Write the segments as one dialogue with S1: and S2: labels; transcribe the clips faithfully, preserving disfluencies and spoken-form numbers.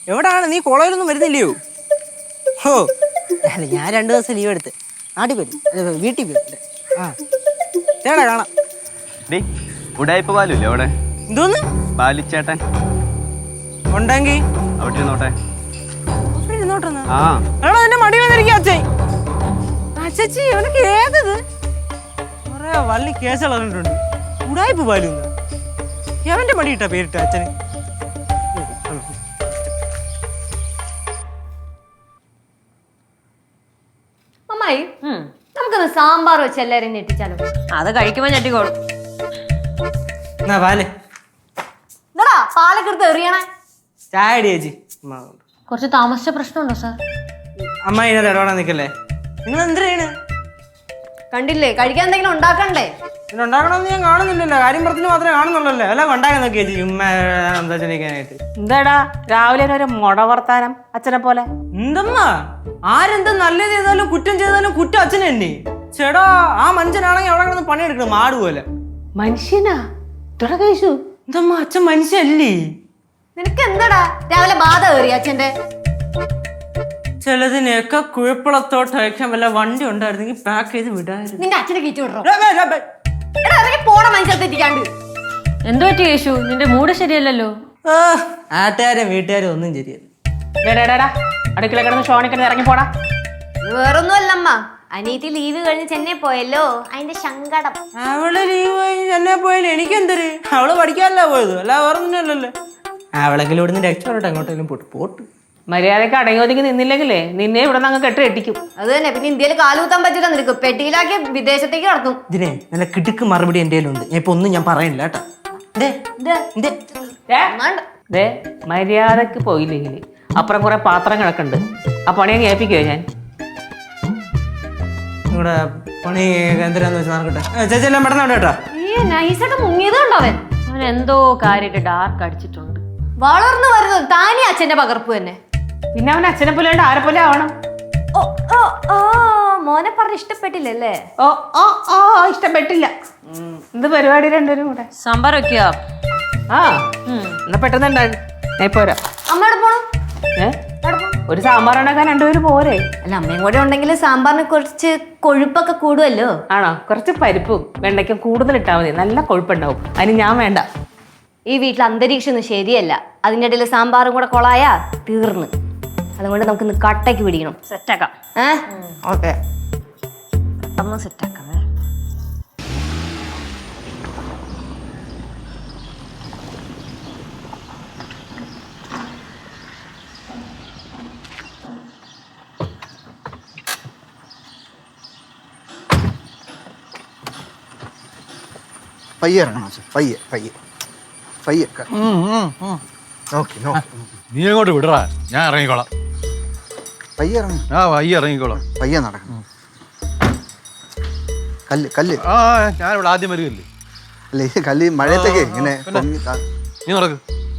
S1: എവിടാണ് നീ കോളേജിലൊന്നും വരുന്നില്ലയോ? ഓ അല്ല, ഞാൻ രണ്ടു ദിവസം ലീവ് എടുത്ത് നാട്ടിൽ പോയി വീട്ടിൽ പോയിട്ട്. ആ ചേട്ടാ കാണാം.
S2: ഉടായിപ്പ് പാലില്ലേ അവിടെ?
S1: എന്തോന്ന്
S2: പാലിച്ചേട്ടൻ
S1: ഉണ്ടെങ്കിൽ
S2: അവിടെ ഇരുന്നോട്ടെ.
S1: ആ എടാ എന്റെ മടി വന്നിരിക്കും അച്ഛൻ. അച്ഛച്ചി അവനക്ക് ഏതത് കുറെ വള്ളി കേസുകളുണ്ട്. ഉടായിപ്പ് പാലും അവന്റെ മടി ഇട്ടാ പേരിട്ട അച്ഛന്.
S3: അമ്മായി നമുക്കൊന്ന് സാമ്പാർ വെച്ച് എല്ലാരും ഞെട്ടിച്ചാലോ?
S4: അത് കഴിക്കുമ്പോ ഞെട്ടിക്കോളും.
S1: എന്നാ പാല്
S3: എന്താടാ പാലൊക്കെ എടുത്ത് എറിയണേ?
S1: ചായ അടി ചേച്ചി.
S3: കുറച്ച് താമസിച്ച പ്രശ്നമുണ്ടോ സാർ?
S1: അമ്മ ഇതിനകത്ത് ഇടപെടാൻ നിൽക്കല്ലേ. നിങ്ങൾ എന്തിനാണ്
S3: കണ്ടില്ലേ, കഴിക്കാൻ എന്തെങ്കിലും ഉണ്ടാക്കണ്ടേ?
S1: ഉണ്ടാക്കണമെന്ന് ഞാൻ കാണുന്നില്ലല്ലോ. കാര്യം പറഞ്ഞിട്ട് മാത്രമേ കാണുന്നുള്ളല്ലേ. അല്ല ഉണ്ടാക്കാൻ നോക്കിയ ചേച്ചി ഉമ്മ സംസാരിക്കാനായിട്ട്.
S5: എന്താടാ രാവിലെ ഒരു മുട വർത്താനം അച്ഛനെ പോലെ?
S1: എന്തമ്മ ആരെന്ത് നല്ലത് ചെയ്താലും കുറ്റം ചെയ്താലും കുറ്റം അച്ഛനെ തന്നെ. ചേടാ ആ മനുഷ്യനാണെങ്കിൽ അവിടെ കിടന്ന് പണിയെടുക്കണം മാട് പോലെ.
S5: മനുഷ്യനാ കഴിച്ചു?
S1: എന്തമ്മ അച്ഛൻ മനുഷ്യല്ലേ?
S3: നിനക്ക് എന്താടാ രാവിലെ ബാധ കയറി അച്ഛന്റെ?
S1: ചിലതിനൊക്കെ കുഴപ്പളത്തോട്ടയക്കാൻ വല്ല വണ്ടി ഉണ്ടായിരുന്നെങ്കിൽ പാക്ക് ചെയ്ത് വിടായിരുന്നു.
S3: നിന്റെ അച്ഛനെ കയറ്റി വിടറോ? പോണ മനുഷ്യത്തിരിക്കാണ്ട്.
S4: എന്തോ പറ്റി യേശു, നിന്റെ മൂഡ് ശരിയല്ലല്ലോ.
S1: നാട്ടുകാരും വീട്ടുകാരും ഒന്നും ശരിയല്ല.
S5: അടുക്കള കിടന്ന് ഷോണിക്കിടന്ന് ഇറങ്ങി പോടാ.
S3: വേറൊന്നും അല്ലമ്മ, അനിയത്തി ലീവ് കഴിഞ്ഞ് ചെന്നൈ പോയല്ലോ, അതിന്റെ സങ്കടം.
S1: അവള് ലീവ് കഴിഞ്ഞ് ചെന്നൈ പോയാലും എനിക്കെന്തര്? അവള് പഠിക്കാനല്ല പോയത്, അല്ല വേറൊന്നുമല്ലല്ലോ. അവളെങ്കിലും ഇവിടുന്ന് രക്ഷപ്പെടട്ടെ, എങ്ങോട്ടെങ്കിലും പോട്ട് പോട്ട്.
S5: മര്യാദക്ക് അടങ്ങി ഒതുങ്ങി നിന്നില്ലെങ്കിലേ നിന്നെ ഇവിടെ നിന്ന് അങ്ങ് കെട്ട് കെട്ടിക്കും.
S3: അത് തന്നെ. പിന്നെ ഇന്ത്യയിൽ കാലുകുത്താൻ പറ്റില്ല, നിനക്ക് പെട്ടിയിലാക്കി വിദേശത്തേക്ക് കടത്തും.
S1: ഇതിനെ നല്ല കിടുക്ക് മറുപടി എന്റെ കയ്യിലുണ്ട്. ഞാൻ ഇപ്പൊ ഒന്നും ഞാൻ പറയണില്ല കേട്ടാ.
S5: മര്യാദക്ക് പോയില്ലെങ്കിൽ അപ്പുറം കുറെ പാത്രം കിടക്കുന്നുണ്ട്, ആ പണി അങ്ങ് ഏൽപ്പിക്കുവോ ഞാൻ?
S1: ഇവിടെ പണി എന്തിനാന്ന് വെച്ചാൽ നടക്കട്ടെ. ചേച്ചി എല്ലാം പെട്ടെന്ന് കേട്ടാ.
S3: ഈ നൈസായിട്ട് മുങ്ങിയതുണ്ടോ അവൻ?
S4: അവൻ എന്തോ കാര്യമായിട്ട് ഡാർക്ക് അടിച്ചിട്ടുണ്ട്.
S3: വളർന്നു വരുന്നത് താനേ അച്ഛന്റെ പകർപ്പ് തന്നെ.
S5: പിന്നെ അവൻ അച്ഛനെ പോലെ ഉണ്ട്, ആരെ പോലെ ആവണം.
S3: ഓ ഓ ഓ മോനെ പറഞ്ഞ് ഇഷ്ടപ്പെട്ടില്ലല്ലേ?
S5: ഓ ഓ ഓ ഇഷ്ടപ്പെട്ടില്ല. എന്ത് പരിപാടി രണ്ടുപേരും കൂടെ?
S4: സാമ്പാർ വെക്കുക.
S5: ആ എന്നാ പെട്ടെന്നുണ്ടായി ഞാൻ പോരാ.
S3: അമ്മയോട് പോണം.
S5: ഏ ഒരു സാമ്പാർ ഉണ്ടാക്കാൻ രണ്ടുപേരും പോരെ?
S3: അല്ല, അമ്മയും കൂടെ ഉണ്ടെങ്കിൽ സാമ്പാറിന് കുറച്ച് കൊഴുപ്പൊക്കെ കൂടുമല്ലോ.
S5: ആണോ? കുറച്ച് പരിപ്പും വെണ്ടയ്ക്കും കൂടുതൽ ഇട്ടാൽ മതി, നല്ല കൊഴുപ്പുണ്ടാവും. അതിന് ഞാൻ വേണ്ട.
S3: ഈ വീട്ടിൽ അന്തരീക്ഷം ഒന്നും ശരിയല്ല. അതിൻ്റെ ഇടയിൽ സാമ്പാറും കൂടെ കൊളായാ തീർന്ന്. അതുകൊണ്ട് നമുക്ക് ഇന്ന് കട്ടയ്ക്ക് പിടിക്കണം.
S4: സെറ്റാക്കാം.
S3: ഏഹ്
S1: ഓക്കെ
S4: ഒന്ന് സെറ്റാക്കാം.
S6: പയ്യെ ഇറങ്ങണം പയ്യെ പയ്യെ പയ്യെ.
S7: നീ എങ്ങോട്ട് വിടറാ, ഞാൻ ഇറങ്ങിക്കോളാം.
S6: പയ്യെ ഇറങ്ങും.
S7: ആ പയ്യെ ഇറങ്ങിക്കോളാം.
S6: പയ്യെ നടക്കണം. കല്ല് കല്ല്.
S7: ആ ഞാനിവിടെ ആദ്യം വരികയല്ലേ.
S6: അല്ല ഈ കല്ല് മഴയത്തൊക്കെ ഇങ്ങനെ
S7: നീ നടക്ക്.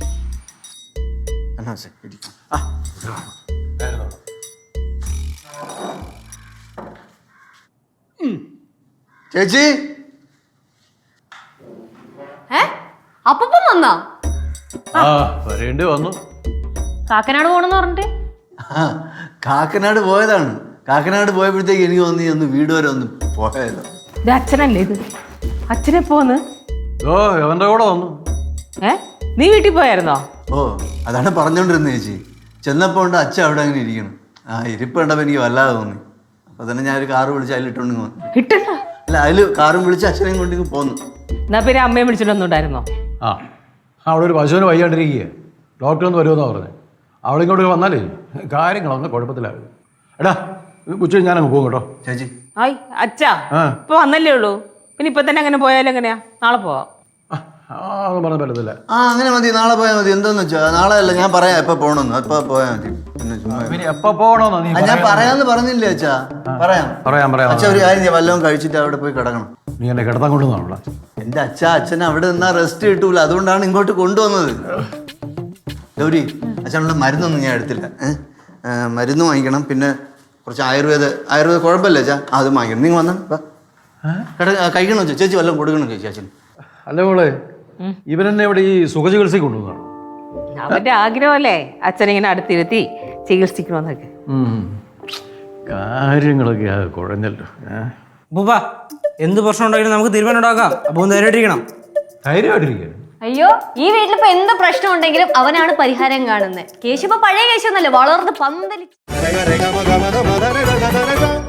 S6: ചേച്ചി
S3: ഏ അപ്പം വന്നാ?
S7: ആ വരേണ്ടി വന്നു.
S4: കാക്കനാട് പോണെന്ന് പറഞ്ഞിട്ട്
S6: കാക്കനാട് പോയതാണ്. കാക്കനാട് പോയപ്പോഴത്തേക്ക് എനിക്ക് തോന്നി ഒന്ന് വീട് വരെ ഒന്ന് പോയതോ.
S5: ഇത് അച്ഛനല്ലേ? ഇത് അച്ഛനെ പോന്ന്?
S7: ഓ എവന്റെ കൂടെ വന്നു.
S5: ഏ നീ വീട്ടിൽ പോയായിരുന്നോ?
S6: ഓ അതാണ് പറഞ്ഞോണ്ടിരുന്നത് ചേച്ചി. ചെന്നപ്പോ ഉണ്ട് അച്ഛൻ അവിടെ അങ്ങനെ ഇരിക്കണം. ആ ഇരിപ്പ് കണ്ടപ്പോ എനിക്ക് വല്ലാതെ തോന്നി. അപ്പൊ തന്നെ ഞാനൊരു കാറ് വിളിച്ച് അതിലിട്ടോണ്ട് വന്നു.
S5: കിട്ടണ്ട.
S6: അല്ല അതില് കാറും വിളിച്ച് അച്ഛനെയും കൊണ്ടിങ്ങ് പോന്നു.
S5: എന്നാ പിന്നെ അമ്മയും വിളിച്ചിട്ടൊന്നുണ്ടായിരുന്നോ?
S7: ആ അവിടെ ഒരു പശുവിന് വയ്യാണ്ടിരിക്കുക, ഡോക്ടർ ഒന്ന് വരുമെന്നാ പറഞ്ഞത്. അവളിങ്ങോട്ട് വന്നാലേ കാര്യങ്ങളൊന്ന് കുഴപ്പത്തിലാകും. എടാ ഉച്ച ഞാനങ്ങ് പോകും കേട്ടോ.
S6: ചേച്ചി
S5: ആയി അച്ഛാ ഇപ്പൊ വന്നല്ലേ ഉള്ളൂ, പിന്നെ ഇപ്പൊ തന്നെ അങ്ങനെ പോയാലും എങ്ങനെയാ? നാളെ പോവാം.
S7: അതൊന്നും പറഞ്ഞ പറ്റത്തില്ല.
S6: ആ അങ്ങനെ മതി, നാളെ പോയാൽ മതി. എന്താന്ന് വെച്ചാ നാളെ അല്ല, ഞാൻ പറയാം എപ്പോ പോകണമെന്ന്. എപ്പോ പോയാൽ മതി. പിന്നെ ചുമ്മാ
S7: എപ്പോ പോകണമെന്നോ നീ?
S6: ഞാൻ പറയാന്ന് പറഞ്ഞില്ലേ അച്ഛാ? പറയാം
S7: പറയാം പറയാം.
S6: അച്ഛാ ഒരു കാര്യം ചെയ്യാം, വല്ലതും കഴിച്ചിട്ട് അവിടെ പോയി കിടക്കണം.
S7: നീ എന്നെ കിടത്താൻ കൊണ്ടുവന്നാണോ?
S6: എന്റെ അച്ഛ അച്ഛൻ അവിടെ നിന്നാ റെസ്റ്റ് കിട്ടൂല, അതുകൊണ്ടാണ് ഇങ്ങോട്ട് കൊണ്ടുവന്നത്. ഗൗരി അച്ഛനുള്ള മരുന്നൊന്നും ഞാൻ എടുത്തില്ല. ഏഹ് മരുന്ന് വാങ്ങിക്കണം, പിന്നെ കുറച്ച് ആയുർവേദ ആയുർവേദ കുഴപ്പമില്ല അച്ഛാ, അത് വാങ്ങിക്കണം. നിങ്ങൾ വന്നാ കിട കഴിക്കണോ വെച്ചാൽ ചേച്ചി വല്ലതും കൊടുക്കണം ചേച്ചി അച്ഛൻ.
S7: അല്ല മോളെ, ഇവരെന്നെ ഇവിടെ ഈ സുഖചികിത്സയ്ക്ക് കൊണ്ടുവന്നതാണ്.
S5: അവന്റെ ആഗ്രഹമല്ലേ അച്ഛനിങ്ങനെ അടുത്തിരുത്തി ചികിത്സിക്കണമെന്നൊക്കെ.
S7: ഉം. കാര്യങ്ങളൊക്കെ ആ കുഴഞ്ഞല്ലോ. ഏ?
S1: അപ്പൂപ്പ എന്ത് പ്രശ്നം ഉണ്ടെങ്കിലും നമുക്ക് തീരുമാനം ഉണ്ടാക്കാം. അപ്പൊ ഒന്ന് ധൈര്യമായിട്ടിരിക്കണം.
S7: ധൈര്യമായിട്ടിരിക്കുക.
S3: അയ്യോ ഈ വീട്ടിലിപ്പോ എന്ത് പ്രശ്നം ഉണ്ടെങ്കിലും അവനാണ് പരിഹാരം കാണുന്നത്. കേശു ഇപ്പൊ പഴയ കേശു ഒന്നല്ലേ, വളർന്ന് പന്തലി.